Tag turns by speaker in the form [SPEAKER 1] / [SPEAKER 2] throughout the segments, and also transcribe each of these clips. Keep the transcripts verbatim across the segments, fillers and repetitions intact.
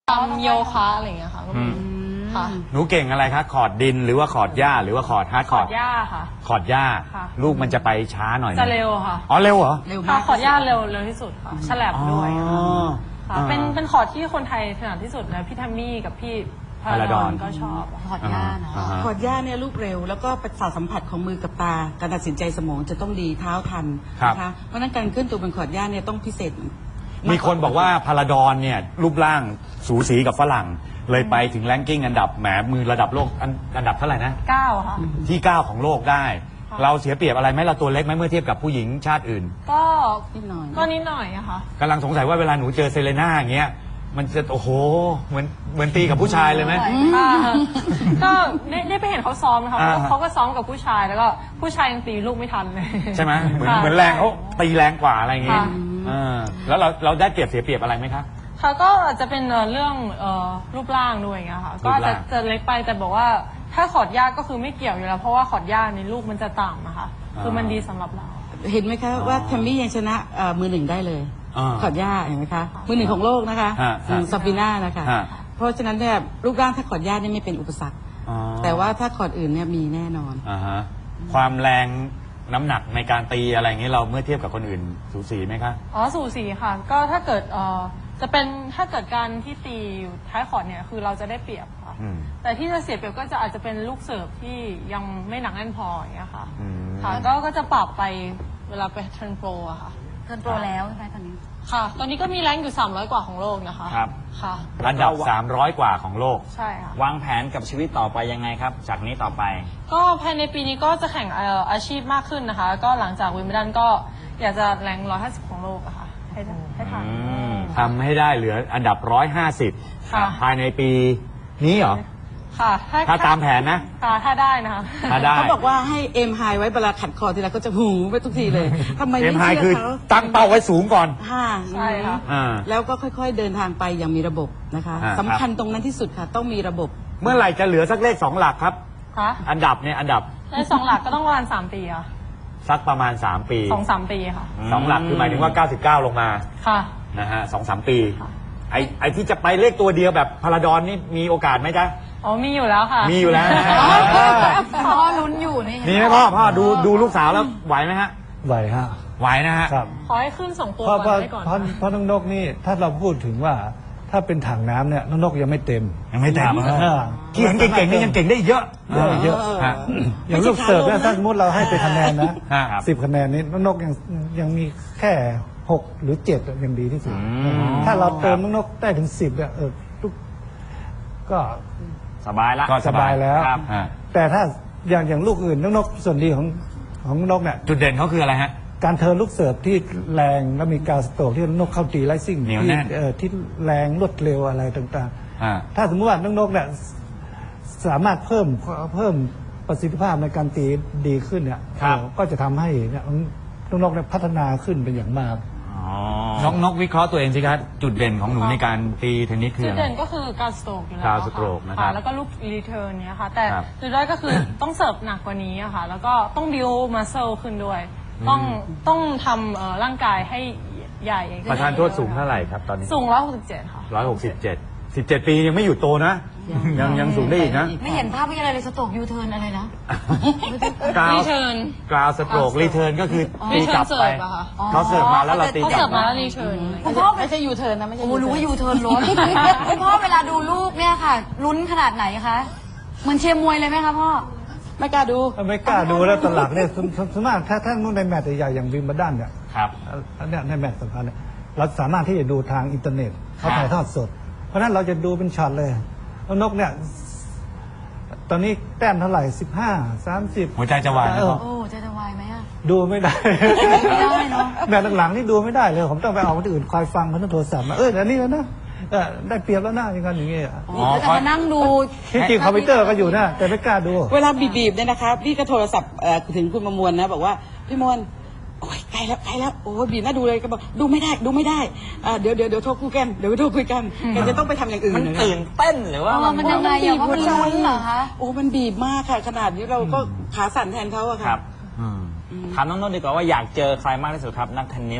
[SPEAKER 1] ทำโยคะอะไรอย่างเงี้ยค่ะก็มีค่ะ
[SPEAKER 2] หนูเก่งอะไรคะคอร์ดดินหรือว่าคอร์ดหญ้าหรือว่าคอร์ดฮาร์ดค
[SPEAKER 1] ข
[SPEAKER 2] อ
[SPEAKER 1] อ
[SPEAKER 2] ร์
[SPEAKER 1] ด
[SPEAKER 2] ด
[SPEAKER 1] หญ้าค่ะ
[SPEAKER 2] คอร์ดหญ้า
[SPEAKER 1] ค่ะ
[SPEAKER 2] ลูกมันจะไปช้าหน่อยไหม
[SPEAKER 1] จะเร็วค่ะ
[SPEAKER 2] อ๋อเร็วเหรอ
[SPEAKER 3] เร็ว
[SPEAKER 1] ค่ะ
[SPEAKER 3] มาก
[SPEAKER 1] ขอดหญ้าเร็วเร็วที่สุดค่ะฉลับด้วย
[SPEAKER 2] อ๋อ
[SPEAKER 1] ค่ะ
[SPEAKER 2] อ่า
[SPEAKER 1] เป็นเป็นขอดที่คนไทยถนัดที่สุดนะพี่แทมมี่กับพี่พา
[SPEAKER 2] พารา
[SPEAKER 1] รา
[SPEAKER 2] ด
[SPEAKER 1] ด
[SPEAKER 2] อ
[SPEAKER 1] อน นก็ชอบอะ
[SPEAKER 3] ขอดย่าเนาะ
[SPEAKER 2] อ่าฮะ
[SPEAKER 4] ขอดหญ้าเนี่ยลูกเร็วแล้วก็ประสาทสัมผัสของมือกับตา การตัดสินใจสมองจะต้องดีเท้าทันนะคะเพราะฉะนั้นการขึ้นตัวบนขอดหญ้าเนี่ยต้องพิเศษ
[SPEAKER 2] มีคนบอกว่าพาราดอนเนี่ยรูปร่างสูสีกับฝรั่ง เลยไปถึงแรงกิ้งอันดับแหมมือระดับโลกอันอันดับเท่าไหร่นะ
[SPEAKER 1] เก้าค่ะ
[SPEAKER 2] ที่เก้าของโลกได้
[SPEAKER 1] ค่ะ
[SPEAKER 2] เราเสียเปรียบอะไรไหมเราตัวเล็กไหมเมื่อเทียบกับผู้หญิงชาติอื่น
[SPEAKER 1] ก็
[SPEAKER 4] นิดหน่อย
[SPEAKER 1] ก็นิดหน่อยอะค่ะ
[SPEAKER 2] กำลังสงสัยว่าเวลาหนูเจอเซเลน่าอย่างเงี้ยมันจะโอ้โหเหมือนเหมือนตีกับผู้ชายเลยไหม
[SPEAKER 1] ค่ะก็ได้ได้ไปเห็นเขาซ้อมนะคะ
[SPEAKER 2] อ่า
[SPEAKER 1] เขาก็ซ้อมกับผู้ชายแล้วก็ผู้ชายยังตีลูกไม่ทันเลย
[SPEAKER 2] ใช่ไหมเหมือน
[SPEAKER 1] ค่ะ
[SPEAKER 2] เหมือนแรงเขาตีแรงกว่าอะไรอย่างงี้
[SPEAKER 1] ค่ะ
[SPEAKER 2] อ่าแล้วเราเราได้เปรียบเสียเปรียบอะไรไหมคะ
[SPEAKER 1] ค่ะก็อาจจะเป็นเอ่อเรื่องเอ่อรูปร่างด้วยอย่างเงี้ยค่ะ
[SPEAKER 2] รู
[SPEAKER 1] ก็
[SPEAKER 2] ป
[SPEAKER 1] อาจ
[SPEAKER 2] ร่า
[SPEAKER 1] จะ
[SPEAKER 2] ง
[SPEAKER 1] จะเล็กไปแต่บอกว่าถ้าขอดยากก็คือไม่เกี่ยวอยู่แล้ว เพราะว่าขอดยากในลูกมันจะต่ำนะคะคือมันดีสำหรับเรา
[SPEAKER 4] เห็นไหมคะว่าแทมมี่ยังชนะเอ่อมือหนึ่งได้เลย
[SPEAKER 2] อ่า
[SPEAKER 4] ขอดหญ้าเห็นไหมคะมือหนึ่งของโลกนะคะ
[SPEAKER 2] ฮะฮะ
[SPEAKER 4] ซาฟิน่านะคะ
[SPEAKER 2] ฮะ
[SPEAKER 4] เพราะฉะนั้นเนี่ยรูปร่างถ้าขอดหญ้าเนี่ยไม่เป็นอุปสรรค
[SPEAKER 2] อ๋อ
[SPEAKER 4] แต่ว่าถ้าขอดอื่นเนี่ยมีแน่นอน
[SPEAKER 2] อ่าฮะความแรงน้ำหนักในการตีอะไรอย่างเงี้ยเราเมื่อเทียบกับคนอื่นสูสีไหมคะ
[SPEAKER 1] อ๋อสูสีค่ะ ก็ถ้าเกิดเอ่อจะเป็นถ้าเกิดการที่ตีอยู่ท้ายขอดเนี่ยคือเราจะได้เปรียบค่ะ
[SPEAKER 2] อืม
[SPEAKER 1] แต่ที่จะเสียเปรียบก็จะอาจจะเป็นลูกเสิร์ฟที่ยังไม่หนักแน่นพออย่างเงี้ยค่ะ
[SPEAKER 2] อืม
[SPEAKER 1] ค่ะก็ก็จะปรับไปเวลาไปเทิร์นโปรอะค่ะ
[SPEAKER 3] เทิร์นโปรแล้วใช่ไหมตอนนี้
[SPEAKER 1] ค่ะ ตอนนี้ก็มีแรงอยู่สามร้อยกว่าของโลกนะคะ
[SPEAKER 5] ครับ
[SPEAKER 1] ค่ะ
[SPEAKER 2] อันดับสามร้อยกว่าของโลก
[SPEAKER 1] ใช่ค่ะ
[SPEAKER 5] วางแผนกับชีวิตต่อไปยังไงครับ จากนี้ต่อไป
[SPEAKER 1] ก็ภายในปีนี้ก็จะแข่งเอ่ออาชีพมากขึ้นนะคะ ก็หลังจากวิมเบิลดันก็อยากจะแรงร้อยห้าสิบของโลกอะค่ะ ให้ได้ให้ทัน
[SPEAKER 5] อืม
[SPEAKER 2] ทำให้ได้เหลืออันดับร้อยห้าสิบ
[SPEAKER 1] ค่ะ
[SPEAKER 2] ภายในปีนี้เหรอ
[SPEAKER 1] ค่ะ
[SPEAKER 2] ถ้าตามแผนนะ
[SPEAKER 1] ค่ะถ้าได้นะคะ
[SPEAKER 2] ถ้าได้
[SPEAKER 4] เขาบอกว่าให้เอ็มไฮไว้เวลาขัดคอทีไรก็จะหูไปทุกทีเลยทำไม
[SPEAKER 2] เอ็ม
[SPEAKER 4] ไม่
[SPEAKER 2] ไฮ
[SPEAKER 4] เชื่อ
[SPEAKER 2] คือ
[SPEAKER 4] เขา
[SPEAKER 2] ตั้งเป้าไว้สูงก่อน
[SPEAKER 4] ค่ะ
[SPEAKER 1] ใช่ค่ะ
[SPEAKER 2] อ่า
[SPEAKER 4] แล้วก็ค่อยๆเดินทางไปอย่างมีระบบนะคะ
[SPEAKER 2] อ่า
[SPEAKER 4] สำคัญตรงนั้นที่สุดค่ะ ต้องมีระบบ
[SPEAKER 2] เมื่อไหร่จะเหลือสักเลขสองหลักครับ
[SPEAKER 1] ค่ะ
[SPEAKER 2] อันดับเนี่ยอันดับ
[SPEAKER 1] ในสองหลักก็ต้องประมาณสามปีอะ
[SPEAKER 2] สักประมาณสามปี
[SPEAKER 1] สองสามปีค่ะ
[SPEAKER 2] สองหลักคือหมายถึงว่าเก้าสิบเก้าลงมา
[SPEAKER 1] ค่ะ
[SPEAKER 2] นะฮะสองสามปี
[SPEAKER 1] ค่ะ
[SPEAKER 2] ไอไอที่จะไปเลขตัวเดียวแบบพาราดอนนี่มีโอกาสไหมจ๊ะ
[SPEAKER 1] อ๋อมีอยู่แล้วค่ะ
[SPEAKER 2] มีอยู่แล้วนะฮะ
[SPEAKER 3] พ่อลุ้นอยู่นี่
[SPEAKER 2] มีไหมพ่อพ่อดูดูลูกสาวแล้วไหวไหมฮะ
[SPEAKER 6] ไหวฮะ
[SPEAKER 2] ไหวนะฮะ
[SPEAKER 6] ครับ
[SPEAKER 1] ขอให้ขึ้นส่งตัว
[SPEAKER 6] เพราะ
[SPEAKER 1] ก่
[SPEAKER 6] เพราะ
[SPEAKER 1] อนได้ก่อน
[SPEAKER 6] เพราะเพราะน้องนกนี่ถ้าเราพูดถึงว่าถ้าเป็นถังน้ำเนี่ยน้องนกยังไม่เต็ม
[SPEAKER 2] ยังไม่เต็ม
[SPEAKER 6] เออ
[SPEAKER 2] ที่เห็นเก่งๆนี่ยังเก่งได้อีกเยอะ
[SPEAKER 6] เยอะเยอะ
[SPEAKER 2] ฮะ
[SPEAKER 6] อย่างลูกเสิร์ฟเนี่ยถ้าสมมติเราให้ไปคะแนนนะ
[SPEAKER 2] ฮะครับ
[SPEAKER 6] สิบคะแนนนี้น้องนกยังยังมีแค่หกหรือเจ็ดยังดีที่สุด
[SPEAKER 5] อืม
[SPEAKER 6] ถ้าเราเติมน้องนกได้ถึงสิบเนี่ยเออทุกก็
[SPEAKER 5] สบายละ
[SPEAKER 2] ก็
[SPEAKER 6] สบายแล้ว
[SPEAKER 5] ครับ
[SPEAKER 2] ฮะ
[SPEAKER 6] แต่ถ้าอย่างอย่างลูกอื่นน้องนกส่วนดีของของน้องนกเนี่ย
[SPEAKER 2] จุดเด่นเขาคืออะไรฮะ
[SPEAKER 6] การเทิร์นลูกเสิร์ฟที่แรงแล้วมีการสโตรกที่นกเข้าตีไลซิ่ง
[SPEAKER 2] เหนียว
[SPEAKER 6] ที่
[SPEAKER 2] แน่น
[SPEAKER 6] เอ่อที่แรงรวดเร็วอะไรต่าง
[SPEAKER 2] อ่า
[SPEAKER 6] ๆ ถ้าสมมติว่าน้องนกเนี่ยสามารถเพิ่มเพิ่มประสิทธิภาพในการตีดีขึ้นเนี่ย
[SPEAKER 2] ครับ
[SPEAKER 6] เอ่อก็จะทำให้เนี่ยน้องนกเนี่ยพัฒนาขึ้นเป็นอย่างมาก
[SPEAKER 5] อ๋อ
[SPEAKER 2] น้องนกวิเคราะห์ตัวเองสิครับจุดเด่นของหนูในการตีเทนนิสคือ
[SPEAKER 1] จุด
[SPEAKER 2] อะไร
[SPEAKER 1] เด่นก็คือการสโตรกอยู่แล้ว
[SPEAKER 2] การ
[SPEAKER 1] ค่ะ
[SPEAKER 2] สโตรกนะครับ
[SPEAKER 1] ค่ะแล้วก็ลูกรีเทิร์นเนี้ยค่ะ แต่
[SPEAKER 2] ครับ
[SPEAKER 1] จุดด้อยก็คือต้องเสิร์ฟหนักกว่านี้อะค่ะ แล้วก็ต้องบิวมัสเซลขึ้นด้วย ต้องต้องทำเอ่อร่างกายให้ใหญ่ขึ้น
[SPEAKER 2] ประธานโทษสูงเท่าไหร่ครับตอนนี้
[SPEAKER 1] สูงร้อยหกสิบเจ็ดค่ะ
[SPEAKER 2] ร้อยหกสิบเจ็ดสิบเจ็ดปียังไม่หยุดโตนะ ยังยังสูงได้อีกนะ
[SPEAKER 3] ไม่เห็นภาพไม่อะไรเลยสโตรกยูเทิร์นอะไรนะ
[SPEAKER 2] กราว
[SPEAKER 1] รีเทิร์น
[SPEAKER 2] กราวสโตรกรีเทิร์นก็คือตีกลับไป
[SPEAKER 1] รีเทิร์นเสิร์ฟอะค่ะ
[SPEAKER 2] เขาเสิร์ฟมาแล้วเราตี
[SPEAKER 1] เขา
[SPEAKER 2] กลั
[SPEAKER 1] เสิ
[SPEAKER 2] บ
[SPEAKER 1] ร์ฟมาแล้วรีเทิร์น
[SPEAKER 3] คุณพ่อ
[SPEAKER 4] ไม่ใช่ยูเทิร์นนะไม่ใช่
[SPEAKER 3] โอ้
[SPEAKER 4] U-turn
[SPEAKER 3] รู้ว่ายูเทิร์นรถคุณพ่อเวลาดูลูกเนี่ยค่ะ ลุ้นขนาดไหนคะเหมือนเชียร์มวยเลยไหมคะพ่อ
[SPEAKER 4] ไม่กล้าดู
[SPEAKER 6] ไม่กล้าดูแล้วตอนหลักเนี่ยสมสมมติถ้าถ้าในแมตช์ใหญ่ๆอย่างวิมเบิลดันเนี่ย
[SPEAKER 2] ครับ
[SPEAKER 6] อันเนี้ยในแมตช์สำคัญเนี่ยเราสามารถที่จะดูทางอินเทอร์เน็ตเขาถ่ายทอดสด เพราะฉะนั้นเราจะดูเป็นช็อตเลยแล้วนกเนี่ยตอนนี้แต้มเท่าไหร่สิบห้าสามสิบ
[SPEAKER 2] หัวใจจะวายไหมพ่อ
[SPEAKER 3] โอ้ใจจะวายไหมอะ
[SPEAKER 6] ดูไม่ได้
[SPEAKER 3] ไม่ได้เนอะ
[SPEAKER 6] แมตช์หลังๆนี่ดูไม่ได้เลยผมต้องไปเอาคนอื่นคอยฟังเขาต้องโทรศัพท์มาเอออันนี้แล้วนะเออได้เปรียบแล้วนะอย่างนั้นอย่างงี้อะ
[SPEAKER 3] โอ้ก็จะมานั่งดู
[SPEAKER 6] ที่จริงคอมพิวเตอร์ก็อยู่นะแต่ไม่กล้าดู
[SPEAKER 4] เวลาบีบๆเนี่ยนะคะพี่ก็โทรศัพท์เอ่อถึงคุณประมวลนะบอกว่าพี่มวลโอ้ยใกล้แล้วใกล้แล้วโอ้ยบีบน่าดูเลยก็บอกดูไม่ได้ดูไม่ได้อ่าเดี๋ยวเดี๋ยวเดี๋ยวโทรคุยกันเดี๋ยวโทรคุยกันแกจะต้องไปทำอย่างอื่น
[SPEAKER 5] มัน
[SPEAKER 4] นะ
[SPEAKER 5] ตื่นเต้นหรือว่า
[SPEAKER 3] เออมันยังไงอะเพราะมันลุ้นเหรอคะ
[SPEAKER 4] โอ้มันบีบมากค่ะ ขนาดนี้เราก็ขาสั่นแทนเขาอะ
[SPEAKER 5] ค
[SPEAKER 4] ค่ะ
[SPEAKER 5] รับถามน้องนนท์ดีกว่าว่าอยากเจอใครมากที่สุดครับ นักเทนนิส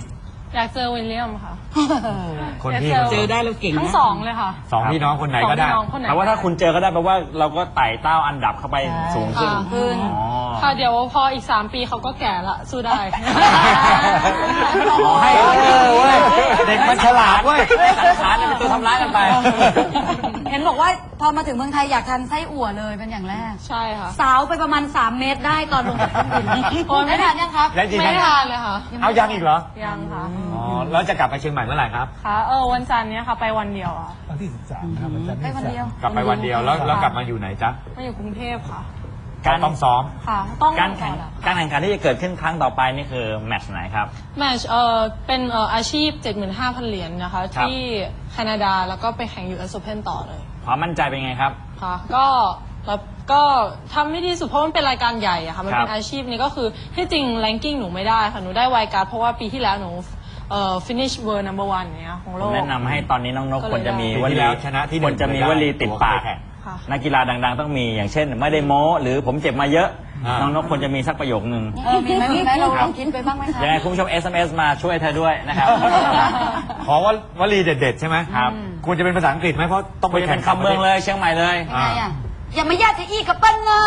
[SPEAKER 1] อยากเจอวิลเลียมค่ะ
[SPEAKER 2] คนที่
[SPEAKER 1] ยาก
[SPEAKER 4] เจอได้เราเก่งนะ
[SPEAKER 1] ทั้งสองเลยค่ะ
[SPEAKER 2] สองพี่น้องคนไหนก็ได้
[SPEAKER 1] สองพี่น้องคนไหน
[SPEAKER 5] แต่ว่าถ้าคุณเจอก็ได้แปลว่าเราก็ไต่เต้าอันดับเข้าไปสูงขึ้น
[SPEAKER 1] ค่ะ
[SPEAKER 3] ขึ้น
[SPEAKER 5] อ๋อ
[SPEAKER 1] ค่ะเดี๋ยวพออีกสามปีเขาก็แก่ละสู้ได้
[SPEAKER 5] ขอให้
[SPEAKER 2] เออเว้ยเด็กมันฉลาดเว้ย
[SPEAKER 5] สังขารเนี่ยเป็นตัวทำร้ายกันไป
[SPEAKER 3] เห็นบอกว่าพอมาถึงเมืองไทยอยากทานไส้อั่วเลยเป็นอย่างแรก
[SPEAKER 1] ใช่ค่ะ
[SPEAKER 3] สาวไปประมาณสามเมตรได้ตอนลงจากเครื่องบิน
[SPEAKER 1] โอ้ยไม่
[SPEAKER 3] ได้ทานยังครับ
[SPEAKER 2] ได้จริง
[SPEAKER 1] ไม่ได้ทานเลยค่ะ
[SPEAKER 2] เอายังอีกเหรอ
[SPEAKER 1] ยังค่ะ
[SPEAKER 2] อ๋อแล้วจะกลับไปเชียงใหม่เมื่อไหร่ครับ
[SPEAKER 1] ค่ะเออวันจันทร์เนี้ยค่ะไปวันเดียวอ่ะ
[SPEAKER 6] วันที่สิบสามครับวันจันทร์
[SPEAKER 3] ได้
[SPEAKER 6] ที่
[SPEAKER 3] วัน
[SPEAKER 6] สาม
[SPEAKER 3] เดียว
[SPEAKER 2] กลับไปวันเดียวแล้วแล้วกลับมาอยู่ไหนจ๊ะ
[SPEAKER 1] มาอยู่กรุงเทพค่ะ
[SPEAKER 5] การ
[SPEAKER 2] ต้องซ้อม
[SPEAKER 1] ค่ะ ต้อง
[SPEAKER 5] การแข่ง
[SPEAKER 1] ต่อละ
[SPEAKER 5] การแข่งขันที่จะเกิดขึ้นครั้งต่อไปนี่คือแมตช์ไหนครับ
[SPEAKER 1] แมตช์เออเป็นเอ่ออาชีพ เจ็ดหมื่นห้าพัน เหรียญนะคะ
[SPEAKER 5] ครับ
[SPEAKER 1] ที่แคนาดาแล้วก็ไปแข่ง ยู เอส Open ต่อเลย
[SPEAKER 5] ความมั่นใจเป็นไงครับ
[SPEAKER 1] ค่ะก็แล้วก็ทำให้ดีสุดเพราะมันเป็นรายการใหญ่อะค่ะมันเป็
[SPEAKER 5] ครั
[SPEAKER 1] น
[SPEAKER 5] บ
[SPEAKER 1] อาชีพนี้ก็คือที่จริงแรงกิ้งหนูไม่ได้ค่ะหนูได้ไวการ์ดเพราะว่าปีที่แล้วหนูเอ่อ finish world number one เนี้ยของโล
[SPEAKER 5] ผม
[SPEAKER 1] ก
[SPEAKER 5] แนะนำให้ตอนนี้น้องนก
[SPEAKER 1] ก็เลย
[SPEAKER 5] ควรจะมี
[SPEAKER 2] ได้
[SPEAKER 5] ว
[SPEAKER 2] ปีที่
[SPEAKER 5] ลี
[SPEAKER 2] แล้วชนะที่หนึ่
[SPEAKER 5] คว
[SPEAKER 2] ง
[SPEAKER 5] รจะมีวลีติดปาก
[SPEAKER 2] ตัวไปแข่ง
[SPEAKER 1] ค่ะ
[SPEAKER 5] นักกีฬาดังๆ ต้องมีอย่างเช่น ไม่ได้โม้หรือผมเจ็บมาเยอะ
[SPEAKER 2] อ่า
[SPEAKER 5] น้องนกควรจะมีสักประโยคนึง
[SPEAKER 3] เออมีไหมมีไหมเราลองคิดไปบ้างไหมคะ
[SPEAKER 5] ยังไงคุณผู้ชม เอส เอ็ม เอส มาช่วยเธอด้วยนะครับ
[SPEAKER 2] ขอว่าวลีเด็ดๆใช่ไหม
[SPEAKER 5] ครับ
[SPEAKER 2] ควรจะเป็นภาษาอังกฤษไหมเพราะต้อง
[SPEAKER 5] ไป
[SPEAKER 2] ไป
[SPEAKER 5] เป็
[SPEAKER 2] แข่ง
[SPEAKER 5] นคำเมืองเลยเชียงใหม่เลย
[SPEAKER 3] ยังไงอ่ะอย่ามาญาติอีกับเปิ้ลเนอะ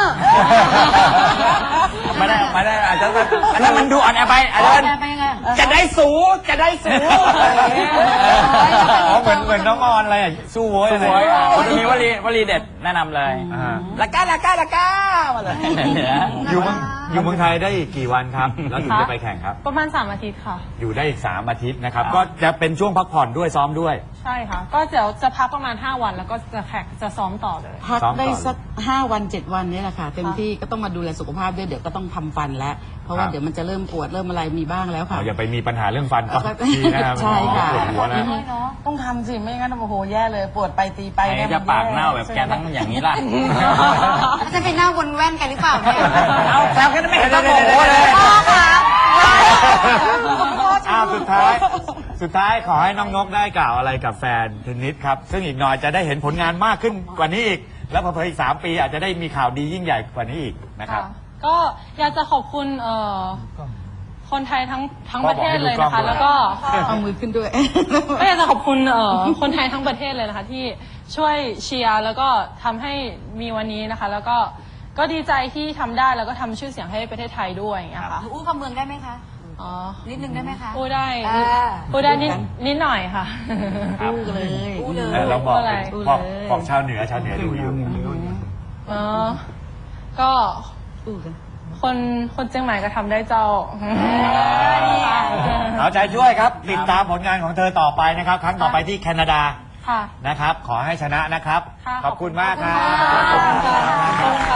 [SPEAKER 5] ไม่ได้ไม่ได้อาจจะอันนั้นมันดูอ่อนแอไปอาจจะ
[SPEAKER 3] ไปยังไง
[SPEAKER 5] จะได้สูจะได้สู
[SPEAKER 2] อ๋อเหมือนเหมือนน้องออนอะไรอ่ะสู้โว้ยอะไร
[SPEAKER 5] สวยอ่ะคุณจะมีวลีวลีเด็ดแนะนำเลย
[SPEAKER 2] อ่า
[SPEAKER 5] ละก้าละก้าละก้ามาเลย
[SPEAKER 2] อยู่เมืองอยู่เมืองไทยได้อีกกี่วันครับ แล้วถึงจะไปแข่งครับ
[SPEAKER 1] ประมาณสามอาทิตย์ค่ะ
[SPEAKER 2] อยู่ได้อีกสามอาทิตย์นะครับ ก็จะเป็นช่วงพักผ่อนด้วยซ้อมด้วย
[SPEAKER 1] ใช่ค่ะ ก็เดี๋ยวจะพักประมาณห้าวันแล้วก็จะแข่งจะซ้อมต่อเลย
[SPEAKER 4] พัก
[SPEAKER 2] ซ้อมต่อ
[SPEAKER 4] ได้สักห้าวันเจ็ดวันเนี่ยแหละค่ะ เต็มที่ก็ต้องมาดูแลสุขภาพด้วยเดี๋ยวก็ต้องทำฟันแล้ว เพราะว่า
[SPEAKER 2] ครับ
[SPEAKER 4] เดี๋ยวมันจะเริ่มปวดเริ่มอะไรมีบ้างแล้วค่ะ
[SPEAKER 2] อ๋ออย่าไปมีปัญหาเรื่องฟันก่อนทีนะครับ
[SPEAKER 4] ใช่ค่ะ
[SPEAKER 2] ปวดหัวนะ
[SPEAKER 3] น้อยเนาะ
[SPEAKER 4] ต้องทำสิไม่งั้นโอ้โหแย่เลยปวดไปตีไป
[SPEAKER 5] ใคร
[SPEAKER 4] เนี่ย
[SPEAKER 5] จะ
[SPEAKER 4] มัน
[SPEAKER 5] ปาก
[SPEAKER 4] แย่
[SPEAKER 5] เน่าแบบแกทั้งอย่างนี้ล่ะ
[SPEAKER 3] แล้วจะไปหน้าวนแว่นกันหรือเปล่าเนี่ย
[SPEAKER 5] เอาแซวแค่นั้นไม่เห็นต้องโมโหเลย
[SPEAKER 3] พ่อคะ
[SPEAKER 2] อ้าวสุดท้าย สุดท้ายขอให้น้องนกได้กล่าวอะไรกับแฟนเทนนิสครับ ซึ่งอีกหน่อยจะได้เห็นผลงานมากขึ้นกว่านี้อีก แล้วพอๆอีกสามปีอาจจะได้มีข่าวดียิ่งใหญ่กว่านี้อีกนะครับ
[SPEAKER 1] ค่ะก็อยากจะขอบคุณเอ่อคนไทยทั้งทั้ง
[SPEAKER 2] พ่
[SPEAKER 1] ป
[SPEAKER 2] อ
[SPEAKER 1] ระ
[SPEAKER 2] บอก
[SPEAKER 1] เท
[SPEAKER 2] ให้
[SPEAKER 1] ศ
[SPEAKER 2] ดู
[SPEAKER 1] เลย
[SPEAKER 2] กล้อง
[SPEAKER 1] นะคะ
[SPEAKER 2] ด้วย
[SPEAKER 1] แล้วก็
[SPEAKER 4] เอามือขึ้นด้วย
[SPEAKER 1] ก็อยากจะขอบคุณเอ่อคนไทยทั้งประเทศเลยนะคะ ที่ช่วยเชียร์แล้วก็ทำให้มีวันนี้นะคะ แล้วก็ก็ดีใจที่ทำได้แล้วก็ทำชื่อเสียงให้ประเทศไทยด้วยอย่างเงี้ยค่ะ
[SPEAKER 3] หนูอู้คำเมืองได้ไหมคะ
[SPEAKER 1] อ๋อ
[SPEAKER 3] นิดนึงได้ไหมคะ
[SPEAKER 1] พูดได้
[SPEAKER 3] อ่า
[SPEAKER 1] พูดได้นิดนิดหน่อยค่ะ
[SPEAKER 5] ครับ
[SPEAKER 4] อู้เลย
[SPEAKER 3] อู้เลย
[SPEAKER 2] เออเราบอก
[SPEAKER 1] อะไร
[SPEAKER 2] บอกบอกชาวเหนือชาวเหนือดูอยู่
[SPEAKER 1] อ๋อก็
[SPEAKER 4] อู้กัน
[SPEAKER 1] คนคนเชียงใหม่ก็ทำได้เจ้า
[SPEAKER 2] เอาใจช่วยครับ ติดตามผลงานของเธอต่อไปนะครับ ครั้งต่อไปที่แคนาดา
[SPEAKER 1] ค่ะ
[SPEAKER 2] นะครับ ขอให้ชนะนะครับ
[SPEAKER 1] ค่ะ
[SPEAKER 2] ขอบคุณมากครับ
[SPEAKER 1] ขอบคุณค่ะ